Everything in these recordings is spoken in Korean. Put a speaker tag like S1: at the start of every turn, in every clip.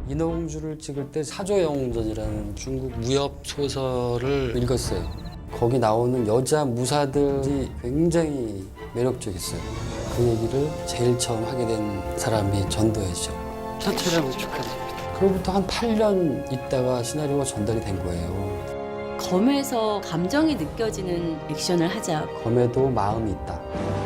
S1: 인어공주를 찍을 때 사조영웅전이라는 중국 무협 소설을 읽었어요. 거기 나오는 여자 무사들이 굉장히 매력적이었어요. 그 얘기를 제일 처음 하게 된 사람이 전도연이죠.
S2: 첫 촬영 축하드립니다.
S1: 그로부터 한 8년 있다가 시나리오가 전달이 된 거예요.
S3: 검에서 감정이 느껴지는 액션을 하자.
S1: 검에도 마음이 있다.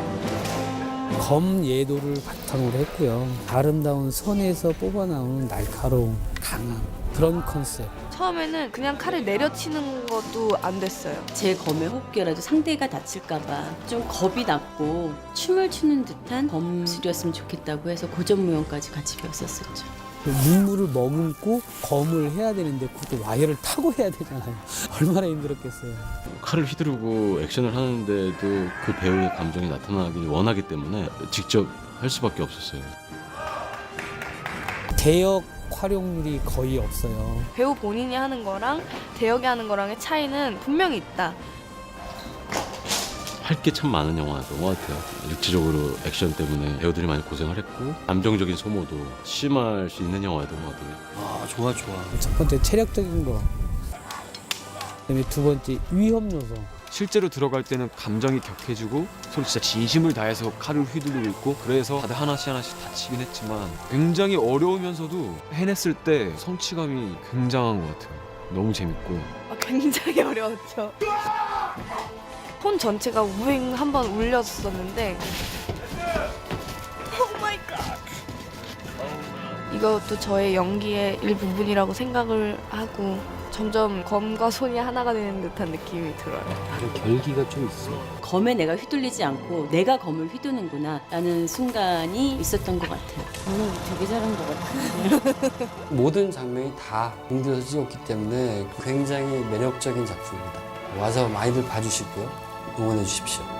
S4: 검 예도를 바탕으로 했고요. 아름다운 선에서 뽑아나오는 날카로운 강한 그런 컨셉.
S5: 처음에는 그냥 칼을 내려치는 것도 안 됐어요.
S3: 제 검의 호흡기라도 상대가 다칠까봐 좀 겁이 났고 춤을 추는 듯한 검술이었으면 좋겠다고 해서 고전무용까지 같이 배웠었죠.
S4: 눈물을 머금고 검을 해야 되는데 그것도 와이어를 타고 해야 되잖아요. 얼마나 힘들었겠어요.
S6: 칼을 휘두르고 액션을 하는데도 그 배우의 감정이 나타나길 원하기 때문에 직접 할 수밖에 없었어요.
S4: 대역 활용률이 거의 없어요.
S5: 배우 본인이 하는 거랑 대역이 하는 거랑의 차이는 분명히 있다.
S6: 할 게 참 많은 영화였던 것 같아요. 육체적으로 액션 때문에 배우들이 많이 고생을 했고 감정적인 소모도 심할 수 있는 영화였던 것 같아요.
S2: 아, 좋아.
S4: 첫 번째 체력적인 거. 그다음에 두 번째 위험 요소.
S7: 실제로 들어갈 때는 감정이 격해지고 서로 진짜 진심을 다해서 칼을 휘두르고 있고 그래서 다들 하나씩 다치긴 했지만 굉장히 어려우면서도 해냈을 때 성취감이 굉장한 것 같아요. 너무 재밌고
S5: 굉장히 어려웠죠. 폰 전체가 우잉 한번 울렸었는데 오 마이 갓. 이것도 저의 연기의 일부분이라고 생각을 하고 점점 검과 손이 하나가 되는 듯한 느낌이 들어요.
S1: 결기가 좀 있어요.
S3: 검에 내가 휘둘리지 않고 내가 검을 휘두는구나 라는 순간이 있었던 것 같아요. 오늘 되게 잘한 것 같아요.
S1: 모든 장면이 다 공들여서 찍었기 때문에 굉장히 매력적인 작품입니다. 와서 많이들 봐주시고요. 응원해 주십시오.